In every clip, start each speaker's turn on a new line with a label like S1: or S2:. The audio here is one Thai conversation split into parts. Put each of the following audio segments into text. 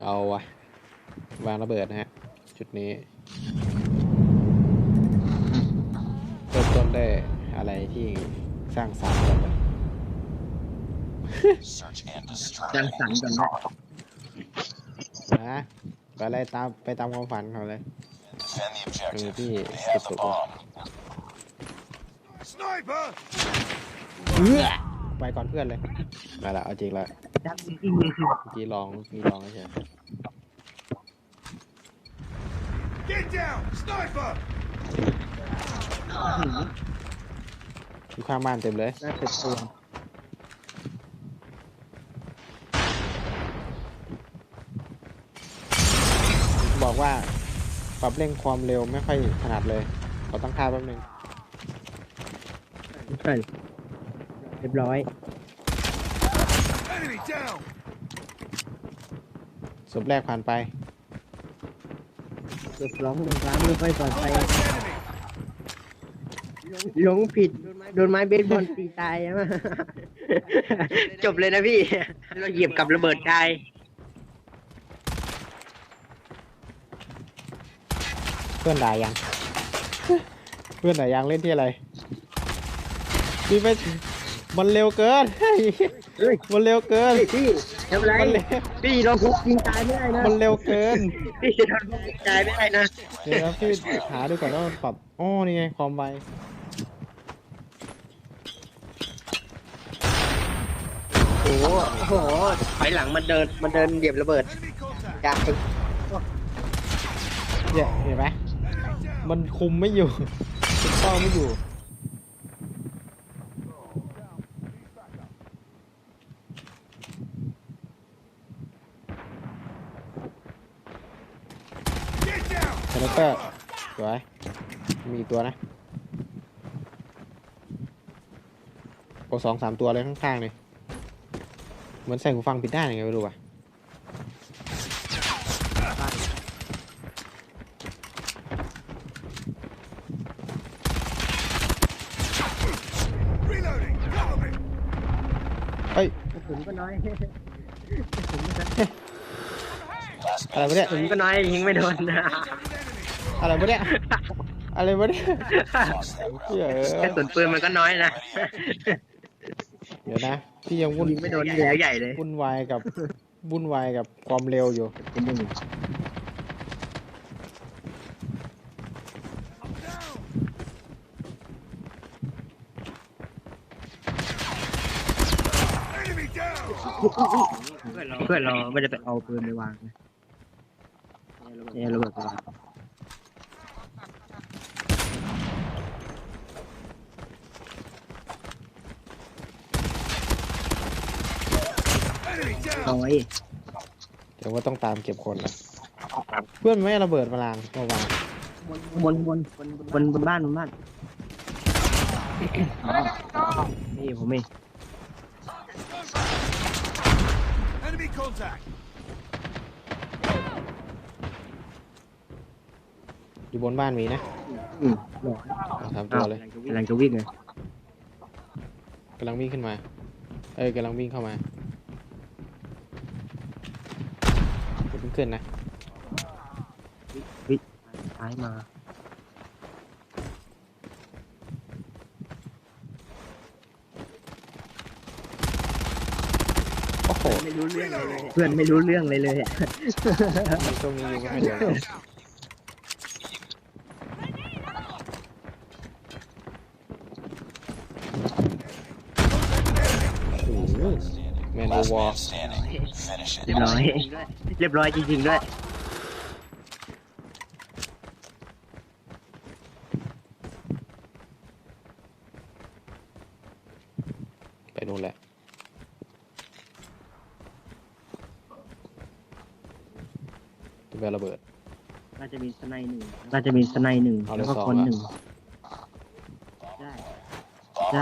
S1: เอาวะวางระเบิดนะฮะจุดนี้เริ่มต้นได้อะไรที่สร้างสรรค์กัน
S2: สร้างสรรค์กันนะ
S1: นะไปอะไรไปตามความฝันเขาเลยพี่เก็บศพไปก่อนเพื่อนเลยมาละเอาจริงละจีลองมีลองเฉยอยู่ข้างบ้านเต็มเลย
S2: น่าจะตัว
S1: บอกว่าปรับเร่งความเร็วไม่ค่อยถนัดเลยขอตั้งค่าแป๊บนึง
S2: ใช่เรียบร้อย
S1: ศพแรกผ่านไป
S2: เรียบร้อยไม่ค่อยปลอดภัยหลงผิดโดนไม้เบสบอลตีตายใช่ไหมจบเลยนะพี่เราเหยียบกับระเบิดตาย
S1: เพื่อนด่ายัง เพื่อนด่ายังเล่นที่อะไรพี่ไม่มันเร็วเกินมันเร็วเกิน
S2: พี่ทำไรพี่โดนทุบยิงตายไม่ได้นะ
S1: มันเร็วเกิน
S2: พี่โดนทุบยิงตายไม่ได้นะ
S1: เดี๋ยวนะพี่หาดูก่อนว่ามันปรับอ๋อนี่ไงความไว
S2: โอ้โหถอยหลังมันเดินเหยียบระเบิดจาก
S1: เนี่ยเห็นไหมมันคุมไม่อยู่คุมเป้าไม่อยู่คาแรคเตอร์สวยมีตัวนะโอ้2-3ตัวเลยข้างๆเลยเหมือนใส่หูฟังผิดด้านยังไงไม่รู้ว่ะเฮ้ย
S2: ผมก็น้อย
S1: อะไรวะเนี่ย
S2: ผมก็น้อยยิงไม่โดนนะ
S1: อะไรวะเนี่ยอะไรวะเนี่ย
S2: กระสุนปืนมันก็น้อยนะ
S1: เดี๋ยวนะพี่ยัง
S2: ยิงไม่โดนแล้วใหญ่เลย
S1: วุ่นวายกับความเร็วอยู่
S2: เพื่อนเราไม่ได้ไปเอาปืนไปวางนะเนี่ยระเบิดไปวางเอาไว้
S1: เดี๋ยวว่าต้องตามเก็บคนละเพื่อนไม่ระเบิดมาลางมาวาง
S2: บนบ้านนี่ผมเอง
S1: อยู่บนบ้านมีนะทำตัวเลย
S2: กำลังจะวิ่งเลย
S1: กำลังวิ่งขึ้นมากำลังวิ่งเข้ามาเพิ่งขึ้นนะ
S2: วิ่งซ้ายมา
S1: โอ้โห
S2: ไม่รู้เรื่องเลยเพื่อนไม่รู้เรื่องเลยอ่ะ
S1: ตรงนี้อยู่ไม่เดียวแมนโอวอร์
S2: เรียบร้อยจริงๆด้วย
S1: ไปนู่นแหละตัวระเบิด
S2: น่าจะมีสไนหนึ่งแล้วก็คนหนึ่งได้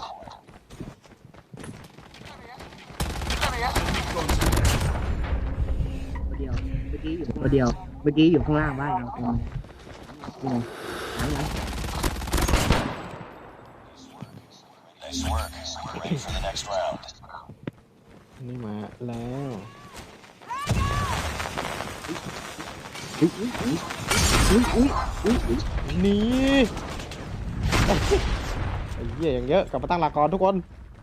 S2: ตัวเดียวเมื่อกี้อยู่ข้างล่างบ้านเราตรงนี้หลัง
S1: นี่มาแล้วหนีไอ้เหี้ยอย่างเยอะกลับมาตั้งหลักก่อนทุกคน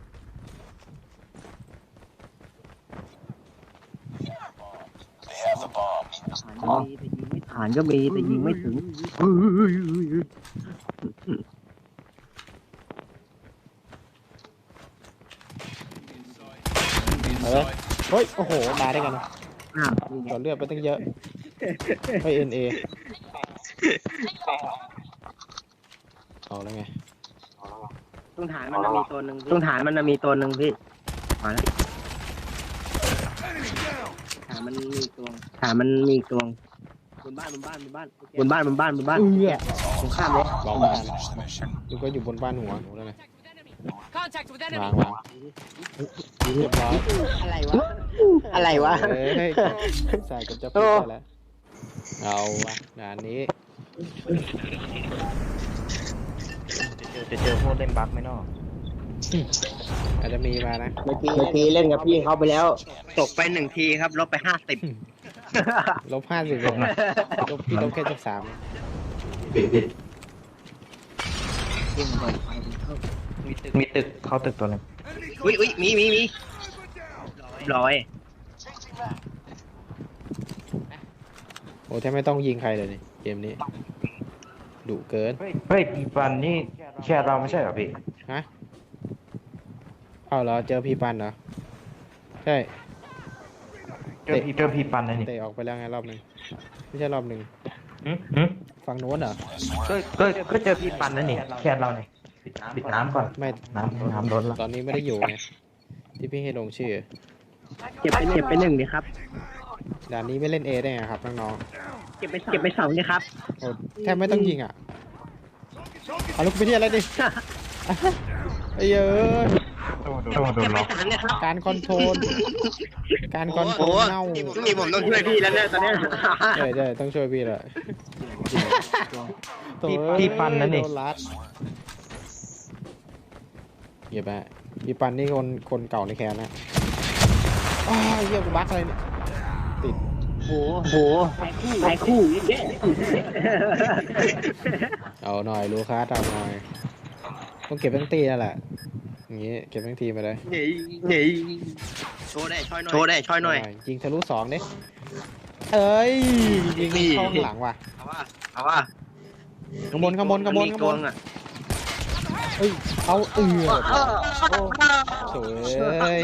S2: ฐานก็มีแต่ยิงไม่ถึง
S1: เฮ้ยโอ้โหมาได้กันนะ
S2: อ้าว
S1: ต่อเลือดไปตั้งเยอะไปเอ็นเอเอาแล้วไง
S2: ตรงฐานมันจะมีตัวหนึ่งตรงฐานมันจะมีตัวหนึ่งพี่มาแล้วฐานมันมีอีกตัวฐานมันมีอีกตัวบนบ้าน
S1: เอื้อ
S2: ตรงข้ามเลย
S1: ลองมาดูก็อยู่บนบ้านหัวหนูแล้วไง
S3: Contact with
S1: วาง
S3: enemy.
S1: วางเรียบร้อย
S2: อะไรวะ
S1: เฮ้ยใส่กับจะปิดได้แล้วเอาวะงานนี้
S4: จะเจอพวกเล่นบั๊กไหมเนาะ
S1: อาจจะมีมานะ
S2: เมื่อกี้เล่นกับพี่เขาไปแล้ว ตกไปหนึ่งทีครับลบไป50
S1: -50เลยนะพี่ลบแค่13
S4: มีตึกเข้าตึกตัวหนึง
S2: อุ้ยมีร้อย
S1: โอ้แทบไม่ต้องยิงใครเลยนี่เกมนี้ดุเกิน
S4: เฮ้ยปีปันนี่แค่เราไม่ใช่เหรอพี่
S1: ฮะเอาเหรอเจอพี่ปันเหรอใช่
S4: เจอพี่ปันนะนี่
S1: เตะออกไปแล้วไงรอบหนึ่งไม่ใช่รอบหนึ่ง
S4: หึ
S1: ฝั่งโน้นเหรอ
S4: ก็เจอพี่ปันนั่นนี่แค่เราเนี่ยปิดน้ำก่อน
S1: ไม่
S4: น้ำล้นละ
S1: ตอนนี้ไม่ได้อยู่ไงที่พี่ให้ลงชื่อ
S2: เก็บไปหนึ่งดิครับ
S1: ด่านนี้ไม่เล่นเอได้ไงครับน้อง
S2: เก็บไปสองดิครับ
S1: ๆโอ้แทบไม่ต้องยิงอ่ะเอาลูกไปที่อะไรดิไอ้เอ้ย
S4: โดน
S2: เก็บไป
S4: ล็อก
S2: สามเนี่ยครับ
S1: การคอนโทรลเน่า
S2: นี่ผมต้องช่วยพี่แล้วเนี่ยตอนเนี้ย
S1: ใช่ต้องช่วยพี่แหละโถ่
S4: พี่ปันนั่นนี่
S1: โดรัดเหยียบไปพี่ปันนี่คนเก่าในแคนนะอ้าวเยี่ยมบั๊กอะไรเนี่ยติด
S2: โหหลายคู่
S1: เอาหน่อยลูคัสเอาหน่อยต้องเก็บทั้งตีนั่นแหละอย่างงี้เก็บทั้งทีไปเลย
S2: นี่โชว์ได้ช่อยหน่อย
S1: ยิงทะลุ2ดิเอ้ยยิงเข้าข้างหลังว่ะ
S2: เอาว่า
S1: ข้างบน
S2: อ่ะ
S1: เอ้ยเอาโถ่เอ้ย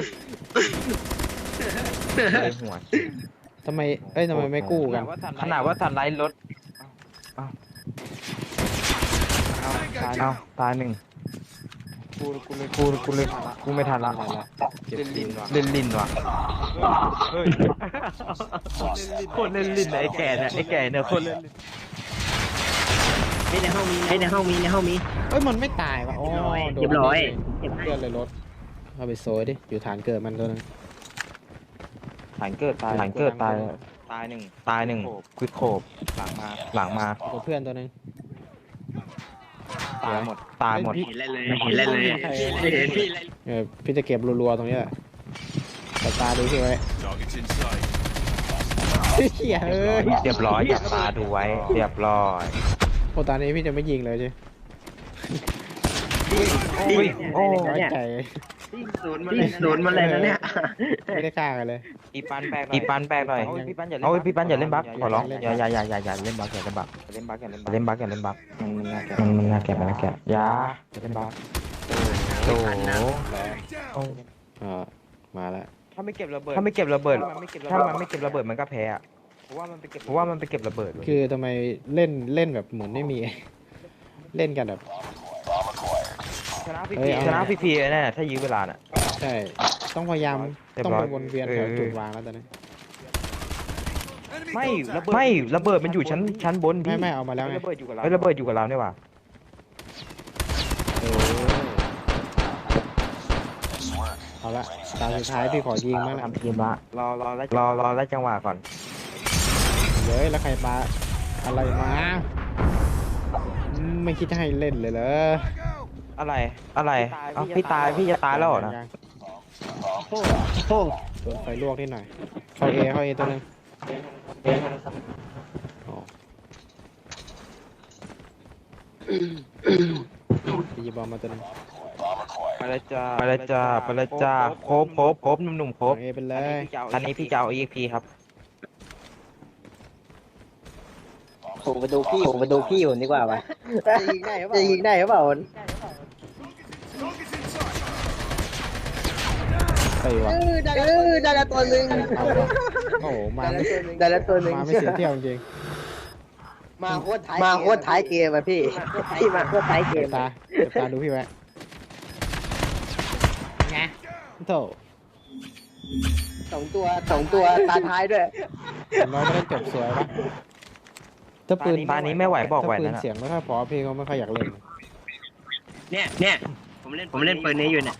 S4: เลยหัว
S1: ทำไมไม่กู้กัน
S4: ขนาดว่าทันไลท์รถเอาตายหนึ่งกูไม่ทันละ
S1: เก็บลินว่ะ
S4: เล่นลิ้นว่ะโคตรเล่นลิ้นไอ้แก่เนี่ยโคตรเล่นลิ้น
S2: ในห้องมี
S1: เอ้ยมันไม่ตายว่ะโอ้โดน
S2: เรียบร้อย
S1: เลือดเลยรถเอาไปโซยดิอยู่ฐานเกิดมันตัวนึง
S4: ฐานเกิดตายหนึ่งควิดโคบหลังมา
S1: กับเพื่อนตัวนึง
S4: ตายหมด
S2: เห็นเลยไม่เห็นพี่เลย
S1: พี่จะเก็บรัวๆตรงนี้แหละแต่ตาดูพี่ไว้เฮียเอ้ย
S4: เรียบร้อยจับตาดูไว้เรียบร้อย
S1: โอ้ตอนนี้พี่จะไม่ยิงเลยใช่
S4: โอ้
S1: น้อยใจ
S2: ศูนย์มาเลยนะเนี่ย
S1: ไม่ได้ฆ่ากันเลย
S4: อีปันแบกหน่อยพี่ปันอย่าเล่นบักขอร้องอย่าเล่นบักอย่าเล่นบักมันน่าแก่อย่าเล่นบักโอ้โห
S1: มาแล้ว
S4: ถ้าไม่เก็บระเบิดถ้ามันไม่เก็บระเบิดมันก็แพ้อะเพราะว่ามันไปเก็บระเบิด
S1: คือทำไมเล่นแบบเหมือนไม่มี เล่นกันแบบ
S4: ชนะฟรีๆแน่ถ้ายื้อเวลาน่ะ
S1: ใช่ต้องพยายาม
S4: เรียบ
S1: ต้อง
S4: ร้อย
S1: ไปวนเวียนแถวจุดวางแล้วตอนนี้
S4: ไม่ระเบิดมันอยู่ชั้นบนพี่
S1: ไม่เอามาแล้วไง
S4: ระเบิดอยู่กับเราเนี่ยว่ะ
S1: เอาละตาสุดท้ายพี่ขอยิงมาก
S4: ทำทีมละรอแล้วจังหวะก่อน
S1: เย้ยแล้วใครปาอะไรมาไม่คิดจะให้เล่นเลยเหรอ
S4: อะไรเอ้าพี่จะตายแล้วเหรอนะ
S2: โอ้
S1: โดนไฟลวกนิดหน่อยเข้าเอตัวนึงอ๋อไปหยิบบอมมาตัวหนึง
S4: ไปเลยจ้าไปเลยจ้าไปเลยจ้าครบหนุ่มๆครบ
S1: เอไปเลย
S4: อันนี้พี่จะเอา EXP ครับ
S2: ผมไปดูพี่ผมดีกว่าว่ะจะยิงได้หรือเปล่า
S1: ไปวะ
S2: ได้ละตัวหนึ่ง
S1: เอาวะโอ้โหมาไม่
S2: ได้ละตัวหนึ่ง
S1: มาไม่เสียเที่ยวจริง
S2: มาโคตรท้ายเกมอ่ะพี่มาโคตรท้ายเก
S1: เก็
S2: ม
S1: บตาเก็บตาดูพี่ไว้ไงโถ
S2: สองตัวตาท้ายด้วย
S1: อย่างน้อยก็ได้จบสวยปะถ้าปืน
S4: ตานี้ไม่ไหวบอกไหว
S1: ถ้าปื
S4: นั่
S1: น
S4: นน่ะ
S1: เสียงไม่ค่อยพอพี่ก็ไม่ค่อยอยากเล่น
S2: เนี่ยผมเล่นปืนนี้อยู่เนี่ย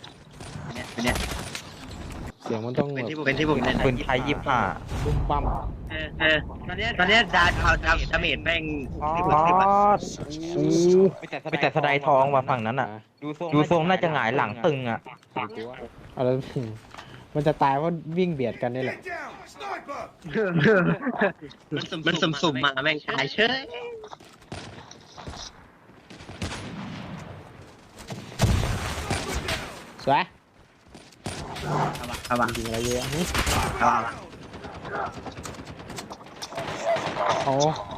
S1: เสียงมันต้องแบบ
S2: เป็นที่ผมเล่น
S4: ปืนไทย25
S1: บุ้มปั้ม
S2: ตอนนี้ดาเมจแม่ง
S4: อ๋อไปแต่สไลด์ทองว่ะฝั่งนั้นอ่ะ ดูทรงน่าจะหงายหลังตึงอ่ะ
S1: เอาแล้วมันจะตายเพราะวิ่งเบียดกันนี่แหละ
S2: มันสุ่มมาแม่งตายเชย
S1: สวย
S2: เอาวะ
S1: ยิงอะไรเยอะหึ
S2: เอาวะ
S1: โอ้โอ้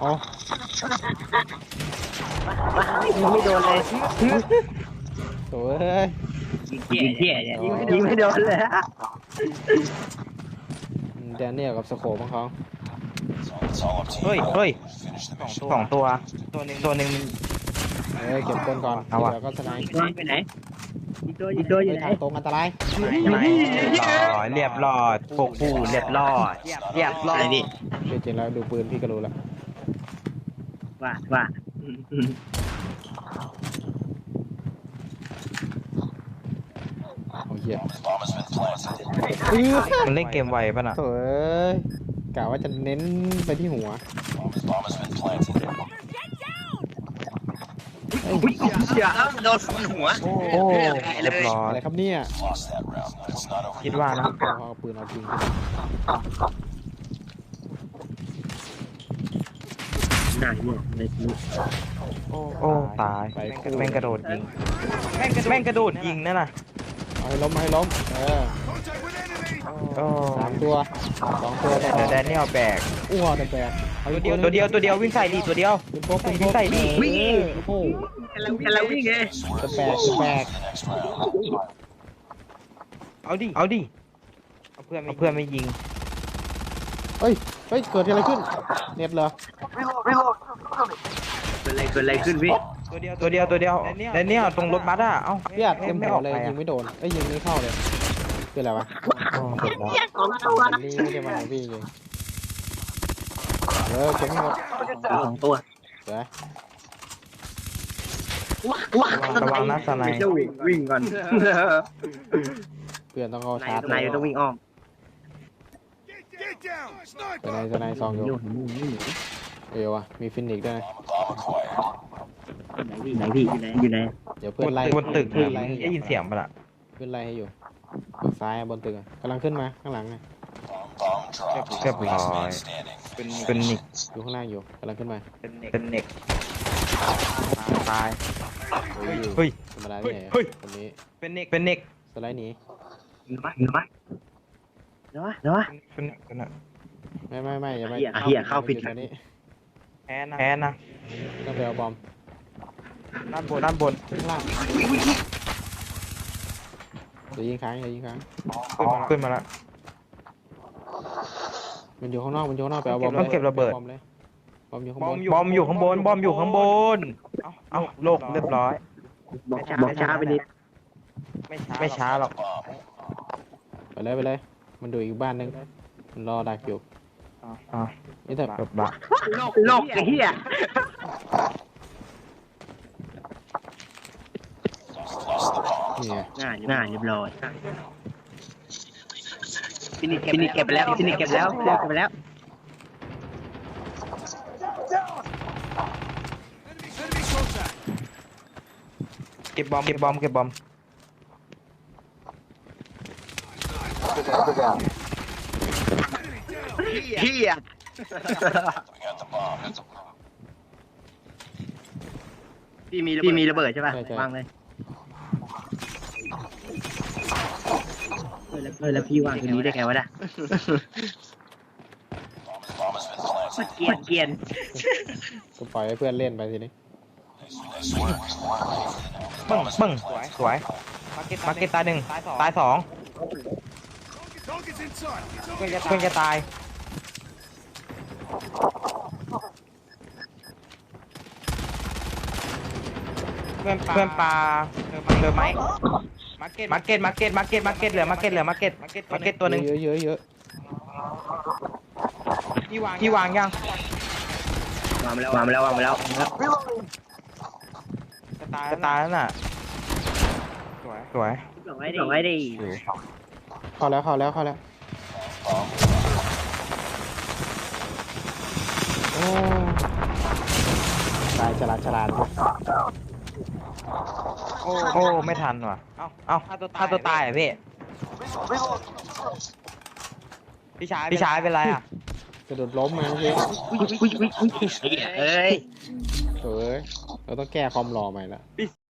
S2: ไม่โดนเลย
S1: โถ่เอ้ย
S2: ยิงเที่ยเนี่ยยิงไม่โดนเลย
S1: แดเนียลกับสโคปของเขา
S4: เฮ้ยสองตัวตัวหนึ่ง
S1: เก็บคนก่อน
S4: เอาวะ
S1: เดี๋ยวก็สไนป์
S2: ไปไหนอีกตัวอยู่ไหน
S1: ทางตรงอันตราย
S4: เรียบร้อยพวกผู้เรียบร้อยนี่
S1: จริงๆแล้วดูปืนพี่ก็รู้แล้ว
S2: ว่า
S1: โอ้เหี้ย
S4: มันเล่นเกมไวป่ะน่ะ
S1: โถ่เอ้ยกะว่าจะเน้นไปที่หัว
S2: อย่าโดนฟันหัว
S1: โอ้
S4: เรียบร้อย
S1: อะไรครับเนี่ย
S4: คิดว่านะ
S1: เอาปืนเอาจริง
S2: หน้าเนี่ยในนี้
S4: โอ้ตาย
S1: ไปคู่
S4: แม่งกระโดดยิงแม่งกระโดดยิงนั่นน่ะ
S1: เอาให้ล้มเอาให้ล้ม
S4: โอ้
S1: 3 ตัว 2 ตัวต่อ
S4: แต่แดเนียลแบก
S1: อ้วแต่แบกเอาอีก
S4: ตัวเดียววิ่งใส่ดีตัวเดียว
S1: เป็นพวกเป็นพ
S4: วิ่
S1: ว
S4: ง
S1: ก
S4: ใส่ดิ
S1: โอ้โห
S2: กำลังวิ่งไง
S1: จะแบกจะแบก
S4: เอาดิเอาเพื่อนไม่ยิง
S1: เฮ้ยเกิดอะไรขึ้นเน็ตเหรอ
S2: เกิดอะไรขึ้นพี่
S4: ตัวเดียวแดเนียลตรงรถบัสอ่ะเอ้า
S1: พี่อัดเต็ม
S4: ไม่
S1: หั
S4: อ
S1: ว
S4: อก
S1: เลย
S4: ไป
S1: ยิ
S4: อ่ะ
S1: งไม่โดนยิงไม่เข้าเลยคืออะไรวะ
S4: เสร็จแล้ว
S1: นี่ไม่ได้มาของพี่จริงเก็บให้หมด
S2: สองตัว
S1: เดี๋ยว
S4: ระวังนะสไน
S2: จะวิ่งก่อน
S1: เพื่อนต้องเข้าชาร์จ
S2: นายต้องวิ่งอ้อม
S1: สไนซองอยู่เอวอะมีฟินิกส์ด้วยนะ
S2: ไหนพี่อยู่ไหน
S1: เดี๋ยวเพื่อนไล่
S4: บนตึก
S1: เพื่อนไล่ให้
S4: ได้ยินเสียงปะล่ะ
S1: เพื่อนไล่ให้อยู่ฝั่งซ้ายอะบนตึกอะกำลังขึ้นมาข้างหลังอะ
S4: เรียบร้อยเป็นนิก
S1: อยู่ข้างล่างอยู่กำลังขึ้นมา
S4: เป็นเน็กตาย
S1: เฮ้ย
S4: เฮ้ย
S1: ธรรมดาที่ไหน
S4: เฮ้ย
S1: คนนี้
S4: เป็นเน็ก
S1: สไลด์หนี
S2: เดี๋ยววะ
S4: เป็นเน็กกันอะ
S1: ไม่อย่าไม่
S2: เหี้ยเข้าผิด
S1: อยู่ตรงนี้
S4: แพ้นะ
S1: ต้องไปเอาบอม
S4: ด้านบน
S1: ข้างล่างเดี๋ยวยิงค้าง
S4: ขึ้นมาละ
S1: มันอยู่ข้างนอกไปเอาบอม
S4: ต้องเก็บระเบิด
S1: บอมเลยบอมอยู่ข้าง
S4: บบ
S1: น
S4: อมอยู่ข้างบนเอาโลกเรียบร้อย
S2: บอกช้าไปนิด
S4: ไม่ช้าหรอก
S1: ไปเลยมันดูอีกบ้านนึงมันรอดักอยู่
S4: อ่ะ
S1: นี่แต่
S4: จบละ
S2: โลกไอ้เหี้ย
S1: นี่ไง
S2: หน้าเรียบร้อยฟินิกเก็บไปแล้วเก็บไปแล้ว
S4: เก็บบอม
S2: เหี้ยพี่มีระเบิดใช่ป่ะ
S1: ใช่
S2: วางเลยแล้วพี่วางตรงนี้ได้ไงวะน่ะเกรียน
S1: ก็ปล่อยให้เพื่อนเล่นไปทีนี้
S4: ปึ้งปึ้งสวยมาร์เก็ตตายหนึ่งตายสองเพื่อนจะตายเพื่อนปลาเดิมไหมมาร์เก็ตเหลือมาร์เก็ตตัวหนึ่ง
S1: เยอะ
S4: ที่วางยัง
S2: วางไปแล้ว
S4: จะตายแล้วน่ะสวย
S2: ส่งไว้ดิ
S1: เข้าแล้วโอ้ตายฉลาด
S4: โอ้ไม่ทันว่ะเอ้าถ้าตัวตายอ่ะพี่พี่ชายเป็นไรอ่ะ
S1: กระโดดล้มมาเมื่อกี้
S2: อุ้ยเอ้ย
S1: เฮ้ยเราต้องแก้ความหล่อใหม่ละ